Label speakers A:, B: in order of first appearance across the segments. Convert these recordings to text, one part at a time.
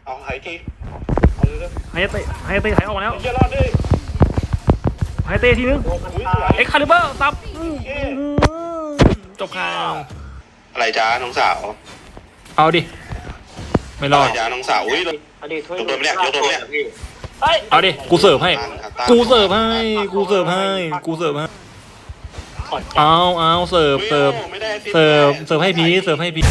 A: เอาหายทีเอาเลย
B: ไฮเตะไฮเตะถ่ายออกมาแล้ว
A: จะรอดด้วย
B: ไฮเตะทีนึง
A: อุ้ยสวย
B: เอ็กคาลิเบอร์ซับจบข่าว
A: อะไรจ้าน้องสาว
B: เอาดิไม่รอด
A: จ้าน้องสาวอุ้ยยกโดนไม่ได้ยกโดนไม่ได้
B: เอาดิกูเสิร์ฟให้กูเสิร์ฟให้กูเสิร์ฟให้กูเสิร์ฟให้เอาเสิร์ฟให้พีเสิร์ฟให้พี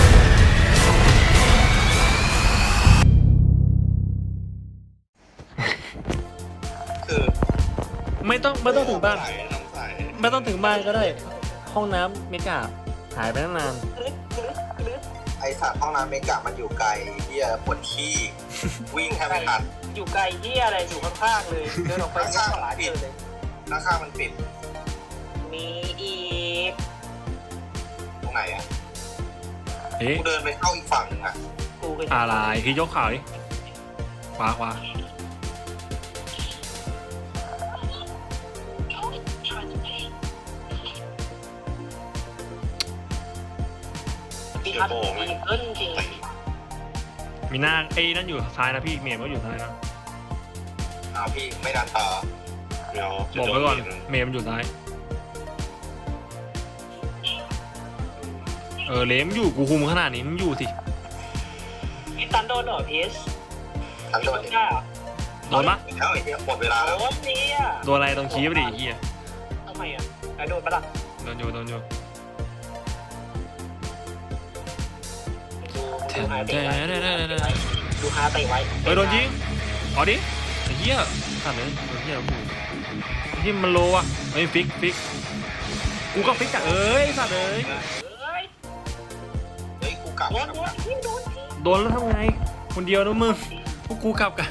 A: คือ
B: ไม่ต้องถึงบ้าน
A: น้องสาย
B: ไม่ต้องถึงบ้านก็ได้ห้องน้ำเมกาหายไปตั้งนาน
C: ไอสัตว์ห้องน้ำเมกะมันอยู่ไกลเฮียปวดขี้ วิ่งแทบไม่ทัน
D: อยู่ไกลเหี้ยอะไรอยู่ข้างๆเลยเดินออกไปข้างหลังเจอเลย
C: หน้าข้างมันปิด
D: มีอีก
C: ตรงไหนอ่ะ
B: เอ๊ะ
C: กูเดินไปเข้าอีกฝั่งหนึงอ่ะ
D: กูก็
B: อะไรพี่ยกข่าวดิขวา
D: มีทัดมีเกินจริง
B: มีหน้าไอ้นั่นอยู่ซ้ายนะพี่เมย์ก็อยู่ซ้ายนะ
C: อ้าวพี่ไม่ดันต่อ
A: เดี๋ยว
B: บอกไว้ก่อนเมย์มันอยู่ซ้ายเลมอยู่กูคุมขนาดนี้มึงอยู่สิ
D: มีตันโดนเหรอพีช
C: ทันโดน
D: ได้เหรอ
B: โดนปะ
C: แล้วไอ้เฮียหมดเวลาแล้ว
D: โดนนี่อ่ะ
B: โดนอะไรตรงชี้ไปดิเฮีย
D: ทำไมอ่ะไอโดนปะล่ะ
B: โดนอยู่
D: ดูฮาเตะไว้ดูฮาเตะไว้
B: โดนยิงเอาดิไอ้เฮียขาดเลยเฮียโอ้โหที่มันโลอ่ะไอ้ฟิกกูก็ฟิกอ่ะสัตว์
D: เฮ้ย
C: เฮ้ยกูกลับ
D: โดนโดน
B: โดนแล้วทำไงคนเดียวนะมึงพวกกูกลับกัน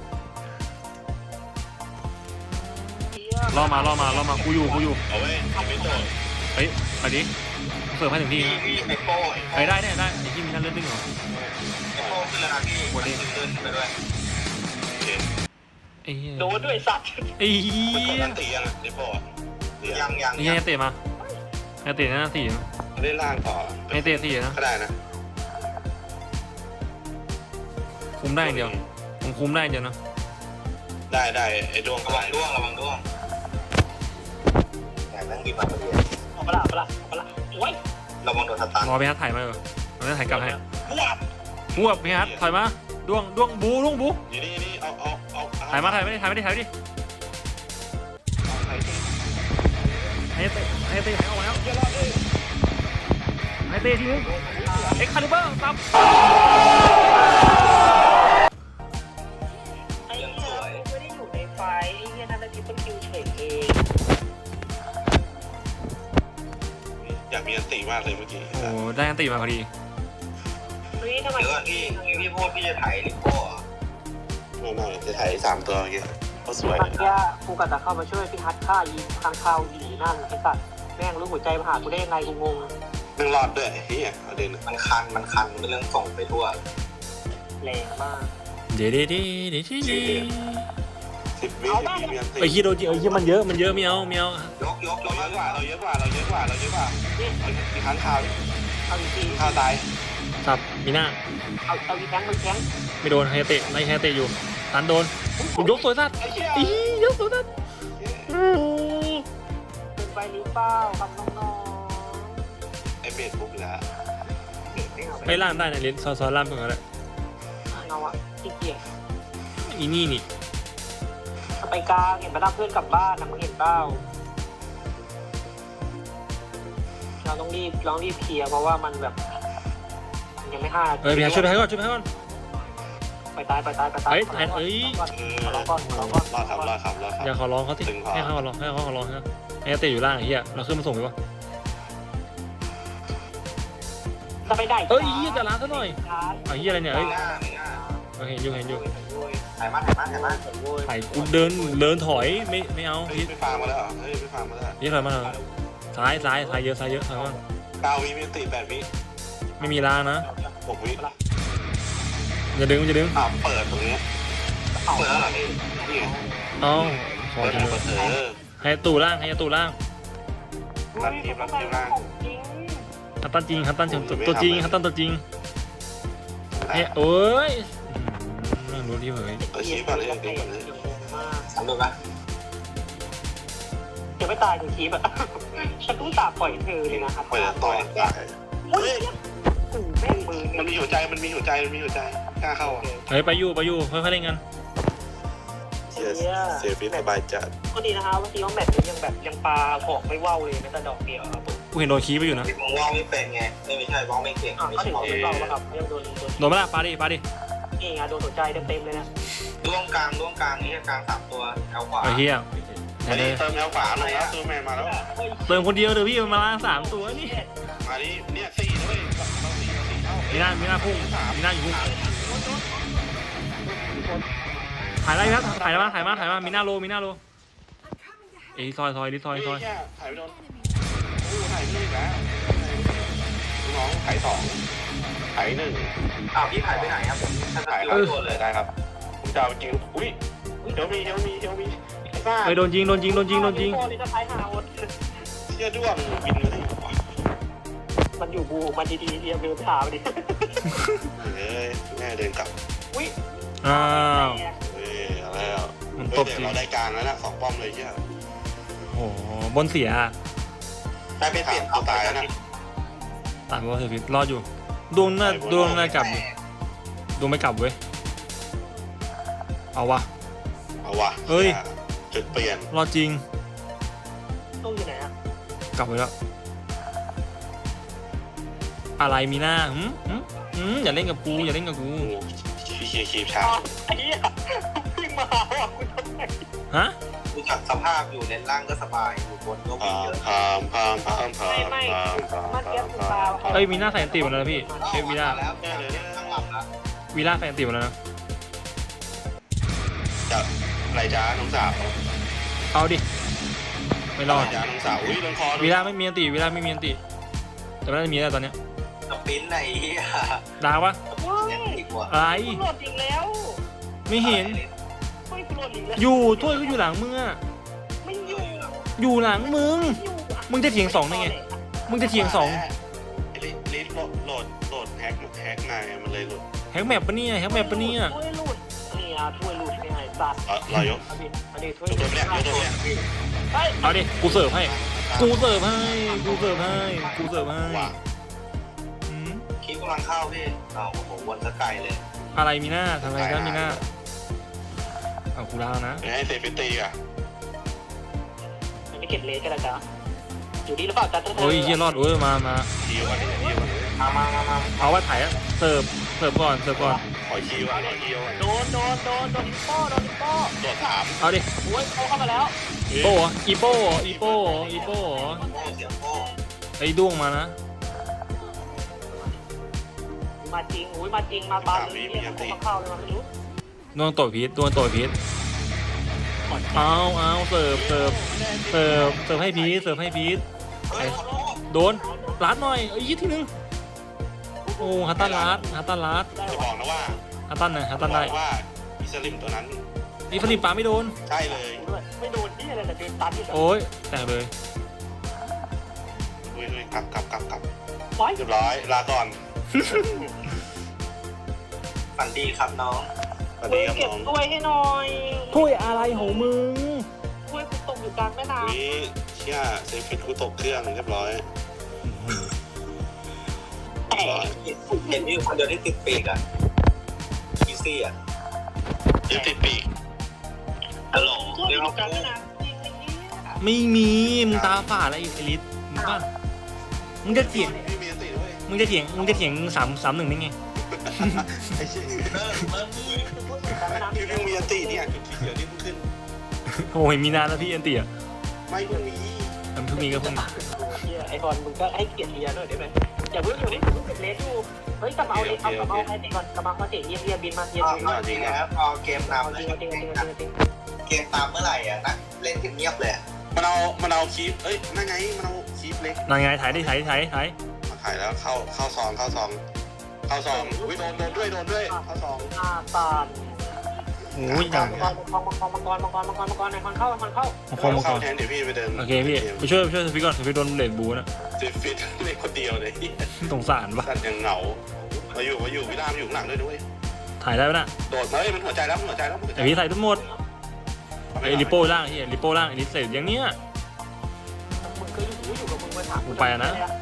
B: รอมากูอยู่
A: เอาไว้ไม่โดน
B: เฮ้ยไปดิเสิร์ฟให้ถึงที่
C: พี่ไอโป้
B: ไปได้ไอ้ที่มีนั่นเลือดดึงเหรอ
C: ไอโป้ขึ้นแล้วนะพี่วันนี้เดินไปด้วย
A: โอเค
B: ไอ้เหี้ย
D: โดนด้วยสัตว์
B: ไอ้เหี้
A: มันกด
B: ย
A: อันตียังอ่ะดิโป้อะ
C: ยัง
B: ไอ้เหี้ยเตะมาไอ้เตะหน้าสี่นะ
A: เล่นล่างต่อ
B: ไอ้เตะสี่นะ
A: ก็ได้นะ
B: คุมได้อย่างเดียวผมคุมได้อย่างเดียวนะ
A: ได้ไอ้ดวง
C: ระวังด้วงแต่แม่งกินมาพอดี
D: เอาปะล่ะโอ้ย
C: ระวังโดนสตัน
B: รอไปฮัทถ่ายมาเหรอเราจะถ่ายกลับให้
A: บวบ
B: บวกไปฮัทถ่ายมาด้วงบู
A: นี่เอา
B: ถ่ายไม่ดิ
A: เอาหายที
B: ไอ้เตะถ่ายออกมาแล้ว
A: จะรอดด้วย
B: ไอ้เตะทีนึงเอ็กคาลิเบอร์ซับ
D: ไอ้เหี้ยไม่ได้อยู่ในไฟไอ้เหี้ยนั่นเป็นทิปเปิลคิวเฉยเอง
A: อยากมีอันตีมากเลยเมื่อกี้
B: โอ้ได้อันตีมาพอดี
D: เฮ้ยทำไม
C: เดี๋ยวก่อนพี่พูดพี่จะถ่ายลิโก้เหรอ
A: ไม่จะถ่าย3 ตัวเมื่อกี้ก็สวย
D: เมื่อกี้กูกะจะเข้ามาช่วยพี่ฮัทฆ่ายิงค้างคาวอีนั่นไอ้สัตว์แม่งรู้หัวใจมาหากูได้ยังไงกูงง
A: นึ่งรอดด้วยเฮียเอาเด่น
C: มันคันเป็นเรื่องส่งไปทั่ว
D: แรงมาก
B: เดี๋ยว
A: 10 วิมีอันตี
B: ไอ้เหี้ยโดนจริงไอ้เหี้ยมันเยอะไม่เอา
C: ยก
A: เราเยอะกว่าเราเยอะกว่ามีค้างคาว
D: เอาอีกที
A: ข้าวตาย
B: ซับมีหน้า
D: เอาอีกแข้งมันแข้ง
B: ไม่โดนไฮเตะไล่ไฮเตะอยู่ตันโดนผมยกสวยสัตว์
A: ไอ้เหี้ย
B: อียกสวยสัตว์
D: เป็นไปหรือเปล่ากับน้อง
A: ไอ้เบสปุ๊บแล้ว
D: ๆเด็กไม่เอา
B: ไปล่างได้นะลิ้นซอล่างตรงนั้นแหละ
D: เอาอะขี้เกียจ
B: อีนี่
D: ไปกลางเห็นมารับเพื่อนกลับบ้านนะมึงเห็นเปล่าเราต้องรีบเคลียร์เพราะว่ามันแบบมันยังไม่ห้า
B: พี่ฮัทช่วยไปก่อน
D: ไปตาย
B: เฮ้ยเอ้ย
D: รอก่อน
A: รอครับ
B: อย่าขอร้องเขาสิให้เขาขอร้องนะไฮเตะอยู่ล่างไอ้เหี้ยเราขึ้นมาส่งไปวะ
D: จะไปได้
B: เอ้ยเหี้ยจะล้างซะหน่อยไอ้เหี้ยอะไรเนี่ยเอ้ยเห็นอยู่
C: ถ่ายมา
B: ถ่ายกูเดินถอยไม่เอา
A: เฮ้ย
B: พี่
A: ไม่ฟังมาแล้วเหรอเฮ้ยไม่ฟังมาแล้ว
B: นี่ถอยมาซ้ายเยอะถอยมา
A: 9 วิมีอันตี8 วิ
B: ไม่มีล้างนะ
A: 6 วิ
B: อย่าดึง
A: เปิดตรงนี้
C: เปิดแล้วเหรอพี่
A: นี่ไง
B: เอาขอ
A: เปิด
B: ทีนึง ให้ตู้ล่าง
A: รันทีมล่าง
B: ฮัตตันจริงตัวจริงเฮ้ยโอ้ย
A: คีบก่อนเลยคีบก่อนเลย
D: งงมาก
C: ทำดูปะ
D: จะไม่ตายถึงคีบอะฉันต้องตาปล่อยเธอเลยนะครับ
A: ปล่อยต่อยตาย
D: โอ้ยแม่งมือ
A: มันมีหัวใจมันมีหัวใจมันมีหัวใจกล้าเข้าอ่ะ
B: เฮ้ยไปอยู่ค่อยๆเล่นกัน
A: เสียฟิตสบายจัด
D: ก็ดีนะคะว่าซีว่าแมตช์นี้ยังแบบยังปลาหอกไม่ว่าวเลยแม้แต่ดอกเดียวครับผม
B: กูเห็นโดนคีบไปอยู่นะ
C: มองว่าไม่เป็นไงไม่ใช่มองไม่เก่งไม่
D: ก็
C: ใช่
D: ถึง
C: มอง
D: ไม่
C: ไม่
D: ว่าว
C: เป็น
D: แล้วครับยังโดน
B: โดนไหมล่ะปาดิ
D: นี่ไงโดนหัวใจเต็มๆเลยนะ
C: ร่วงกลางนี่กลาง3ตัวเอาขวา
B: ไอ้เหี้ย
A: มาดิเติมแนวขวาลงแล้วซูแมนมาแล้ว
B: เติมคนเดียวเดี๋ยวพี่มันมา3 ตัวนี่
A: มาดิเนี่ย4ด้วยเรา4เข้า
B: มีหน้าพุ่งมีหน้าอยู่พุ่งถ่ายอะไรครับถ่ายมามีหน้าโลเอ้ยซอยลิซอย
A: ถ่ายไปโดนโอ้ถ่ายไม่ได้แล้วน้องถ่าย2ถ่าย1
C: อ้าวพี่ถ่ายไปไหนครับผมฉัน
A: ถ่าย
C: ถ่ายตัวเลย
A: ได้ครับผมจะเอาจริงอุ้ยเฮลมี
B: เฮ้ยโดนยิง
D: โอ้นี่จะท้ายหาวน
A: เชี่ยด้วงบินเลย
D: มันอยู่บูมันดีๆเดียวเดินถามดิ
A: เฮ้ยแม่เดินกลับ
D: อุ้ย
B: อ้าว
A: เฮ้ยอะไรอ่ะ
B: มัน
A: เฮ้
B: ต
A: ย
B: บ
A: เดี๋
B: จ
A: ย
B: ริ
A: ว
B: ง
A: เราได้กลางแล้วนะ2 ป้อมเลยเชี่ย
B: โอ้โหบนเสีย
C: ได้ไปเปลี่ยนเอาไปแล้วนะ
B: ตายเพราะว่าเธอพิษรอดอยู่ดวงน่ากลับอยู่ดวงไม่กลับเว้ยเอาวะ
A: เอาวะ
B: เฮ้ย
A: จุดเปลี่ยน
B: รอดจริง
D: ตู้อยู่ไหนอะ
B: กลับไปแล้วอะไรมีหน้าอย่าเล่นกับกู
A: โอ้พี่คีบชา
D: ไอ้เหี้ยวิ่งมาหาว่ะคุณทำไม
B: ฮะ
C: ดูจากสภาพอยู่เลนล่างก็สบายอยู่บนก็วิ่งเยอะ
A: พาม
D: มันเก็บคุณตา
B: เอ้ยมีหน้าแฟนตีหมดแล้วนะพี่เอ้ยมีหน้า
C: แล้วข้างหลังแล้ว
B: วีล่าแฟนตีหมดแล้วนะ
A: จะอะไรจ้าน้องสาว
B: เอาดิไม่รอด
A: จ้าน้องสาวอุ้ยลงคอ
B: วีล่าไม่มีอันติแต่ไม่ได้มีแล้วตอนเนี้ย
C: สปินไหนอ่ะ
B: ดาวปะ
D: ว้าย
C: เล่นอีกว่ะ
B: อะไร
D: คุณโหลดอีกแล้ว
B: ไม่เห็น
D: เฮ้ยคุณโหลดอีกแล้ว
B: อยู่ถ้วยก็อยู่หลังมึงอะ
D: ไม่อยู่
B: อยู่หลังมึง
D: อยู่อะ
B: มึงจะเถียง2ได้ไงมึงจะเถียง2
A: ลิสโหลดแฮกไงมันเลยหลุด
B: แฮกแมปปะเนี่ย
D: ถ้วยหลุดนี่อ่ะถ้วยหลุดไม่หายสัตว์
A: รอยก
D: อันนี้ถ้วย
A: ยกตัวเนี่ย
D: เฮ้ย
B: เอาดิกูเสิร์ฟให้
A: ว่ะ
B: อืม
C: คิดกำลังเข้าพี่เอาโอ้โหวนสกายเลย
B: อะไรมีหน้าทำอะไรกันมีหน้าเอากูแล้วนะ
A: ให้เซฟิตี้อ่ะ
D: อันนี้เก็บเลสกันแล้วจ้ะอยู่ดีหรือเปล่าจ๊ะ
B: โอ้ยเฮียรอดโอ้ยมา
A: คิวอ่ะคิวอ่ะ
C: มา
B: เอาไว้ถ่ายอะเสิร์ฟก่อน
A: ขอคิวอ่ะคิวอ่ะ
D: โดนอิปโป้
A: ตรวจ3
B: เอาดิ
D: โอ้ยเข้ามาแล้ว
B: โป้เหรออีโป้เหรอ
C: โป้เสียงโป้
B: ไอ้ด้วงมานะ
D: มาจริงมาบานเลยเรียกผมเข้าเลยมาไม่รู้
B: ดวงต่อยพีทเอาเสิร์ฟให้พีท
C: เฮ้ย
B: โดนลัดหน่อยอีกทีนึงโอ้ฮัตตันลัด
A: จะบอกนะว่า
B: ฮัตตันได้
A: ว่าอิสลิมตัวนั้น
B: นี่ฟลิปปาไม่โดน
A: ใช่เลย
D: ไม่โดนที่อะไรแต่เดินตันที่
B: โอ้ยแตกเลย
A: อุ้ยกลับ
D: ไว้
A: เรียบร้อยลาก่อน
C: ฝันดีครับน้อง
A: สวัสดีครับ
D: เก็บ
A: น้อง
D: ถ้วยให้หน่อย
B: ถ้วยอะไรของมึง
D: ถ้วยกูตกอยู่กลางแม่น้ำ
A: นี่เชี่ยเซฟิตกูตกเครื่องเรียบร้อย
D: แต่
C: เห็นมีคนเดียวที่ติดปีกอ่ะอีซี่อ่ะ
A: ยึดติดปีก
C: ฮัลโหล
D: ถ้วย
C: เดี๋ยว
D: อ
C: เรา
D: ยู่กลางแม่น้ำจริงไอ้เนี่ย
B: ไม่มีมึงตาฝาดอะไรอีลิสมึงป่ะมึงจะเถียง
A: ไม่มีติดด้วย
B: 3-1ได้ไง
A: ไอ้เชี่ย
C: เริ่ม
D: กลางแม่น้ำ
A: พี่เพิ่งมีติเนี่ยจุดเขียวนี่เพิ่งขึ้น
B: โอ้ยมีนานแล้วพี่อันเตีย
A: ไม่เพิ่งมี
B: มันเพิ่งมีก็เพิ่ง
D: ไอ้บอลมึงก็ให้เกียรติเรียด้วยได้ไหมอย่าเพิ่งอยู่นี่เก็บเลสอยู่เฮ้ยกลับมาเอาเลสเอาไอ้ตีก่อนกลับมาเตะเยียบินมาเยีย
C: จริงนะครับพอเกมนำแล้วเกมตามเมื่อไหร่อ่ะนะเล่นเงียบเลย
A: มันเอาคีฟนั่นไงมันเอาคีฟเล็ก
B: นายไงถ่ายดิถ่าย
A: มาถ่ายแล้วเข้าซองอุ้ยโดนด้วยเข้าซอง
D: ตาล
B: โอ้ยอย่าง
D: มังกรไหนคนเข้า
A: เข้าแทนเดี๋ยวพี่ไปเดิน
B: โอเคพี่ไปช่วยสฟิกก่อนสฟิกโดนเลดบูนะ
A: เซฟิตเล็กคนเดียวเลย
B: สงสารปะ
A: สัตว์ยังเหงามาอยู่พี่รามอยู่ข้างหลังด้วย
B: ทถ่ายได้ปะน่ะ
A: โดดมามันหัวใจแล้วมันหัวใจแล้ว
B: ไอ้พี่ใส่ทั้งหมดไอ้ลิโป้ล่างที่ลิโป้ล่างไอ้นี่เสร็จอย่างเนี้ย
D: มึงเคยอยู่กับมึงมาถาม
B: กูไปอะนะ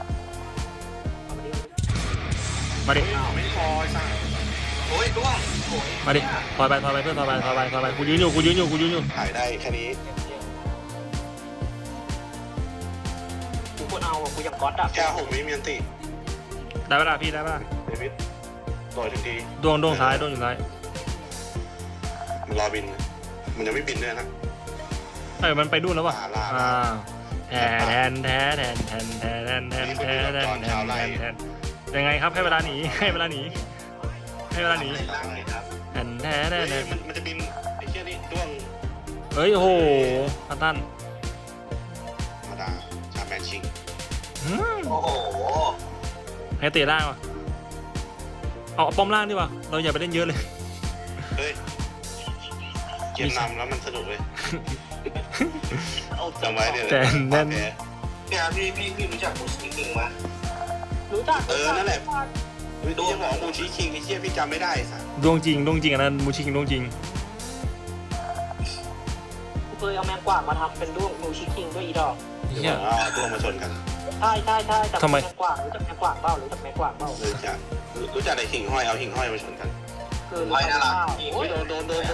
B: มาดิ
A: ไม่พอสั่ง
C: โอ้ยร่วงโอ้ย
B: มาดิถอยไปเพื่อนถอยไปกูยืนอยู่
A: ถ่ายได้แค่นี้
D: กูควรเอาอ่ะกูยังก๊อตอ่ะ
A: แค่6 วิมีอันติ
B: ได้ปะล่ะพี่ได้ปะล่ะ
A: เดวิดโดดถึงที
B: ดวงซ้ายอยู่ซ้าย
A: มันรอบินมันยังไม่บินด้วยนะ
B: มันไปดูนแล้ววะ
A: ลา
B: แทนยังไงครับให้เวลาหนีแทน
C: ล่างเลยครับ
A: มันจะบินไอ้เชี่ยนี่ด้วง
B: เฮ้ยโอ้โหพัตตัน
A: ธรรมดาชาแมนชิง
C: โอ้โห
B: ให้เตะล่างวะเอาป้อมล่างดีกว่าเราอย่าไปเล่นเยอะเลย
A: เฮ้ยเกมนำแล้วมันสนุกเลยจำไว้เนี่ย
C: เนี่ยพี่รู้จักมูสกิงไหม
D: รู้จัก
A: นั่นแหละดูจะบอกมูชิคิงไอ้เชี่ยพี่จำไม่ได้สัส
B: ดวงจริงอันนั้นมูชิงดวงจริง
D: กูเคยเอาแมงกวาดมาทำเป็นด้วงนูชิคิงด้วยอีดอก
A: เดี๋
B: เฮี
A: ยวย เอาด้วงมาชนกัน
D: ใช่แต่
B: ทำไม
D: แมงกวาดรู้จักแมงกวาดเปล่ารู้จักแมงกวาดเปล่า
A: รู้จักไอ้หิ่งห้อยเอาหิ่งห้อยมาชนกัน
D: คือ
C: ไม่น่ารัก
D: โอ้ย
A: โดน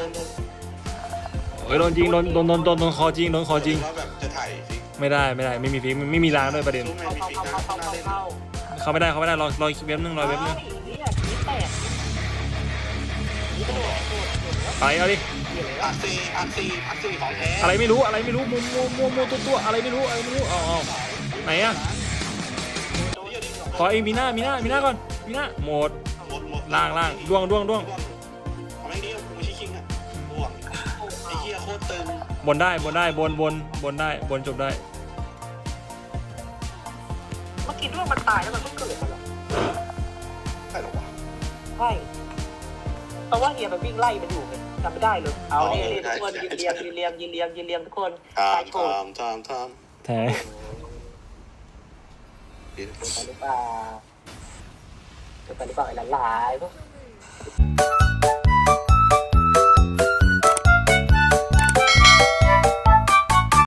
B: เฮ้ยโดนจริงโดนคอจริง
A: แล้วแบบจะถ่ายฟิก
B: ไม่ได้ไม่มีฟิกไม่มีล้างด้วยประเด็น
A: ไม่มีฟิกนะ
B: เขาไม่ได้รอเว็บนึง
D: นี่แหละนี่แตกนี่กระโดด
B: ไปเอาดิ
A: อักซีของแท้
B: อะไรไม่รู้มัวตัวอะไรไม่รู้เอาไหนอะขอไอ้มีหน้าก่อนมีหน้าหมดล่างดวง
A: เอาไม่ดีมูชิคิงอะด้วงไอ้เหี้ยโคตรตึง
B: บนได้บนได้บนจบได้
D: เมื่อกี้ด้วงมันตายแล้วมันเพิ่งเกิดเหรอ
A: ใช่หรอวะ
D: ใช่เพราะว่าเฮียมันวิ่งไล่มันอยู่ไงจำไม่ได้เลยเอาเนี่ยทุกคนยืนเรียงทุกคนตายโชว์
A: ทำ
B: แท้
D: เกิดไปหรือเปล่าไอ้หลานๆพวก